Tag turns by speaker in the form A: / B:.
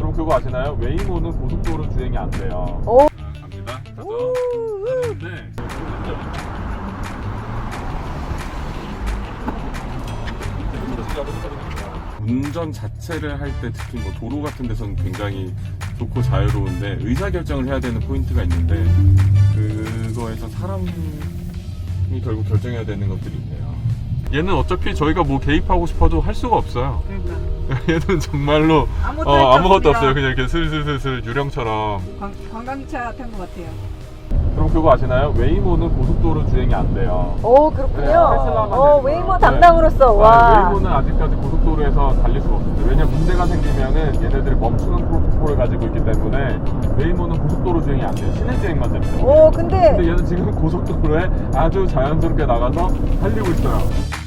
A: 그럼 그거 아시나요? 웨이모는 고속도로 주행이 안 돼요.
B: 오.
A: 갑니다. 그래서 하는데 운전 자체를 할 때 특히 뭐 도로 같은 데서는 굉장히 좋고 자유로운데 의사결정을 해야 되는 포인트가 있는데 그거에서 사람이 결국 결정해야 되는 것들이 있네요. 얘는 어차피 저희가 뭐 개입하고 싶어도 할 수가 없어요.
B: 그러니까
A: 얘는 정말로 아무것도 없어요. 그냥 이렇게 슬슬슬슬 유령처럼.
B: 관광차 탄 것 같아요.
A: 그럼 그거 아시나요? 웨이모는 고속도로 주행이 안 돼요.
B: 오, 그렇군요.
A: 테슬라만 되지만.
B: 웨이모 담당으로서 와.
A: 웨이모는 아직까지 고속도로에서 달릴 수가 없습니다. 왜냐면 문제가 생기면은 얘네들이 멈추는 프로토콜을 가지고 있기 때문에 웨이모는 고속도로 주행이 안 돼요. 시내 주행만 됩니다.
B: 오,
A: 근데 얘는 지금 고속도로에 아주 자연스럽게 나가서 달리고 있어요.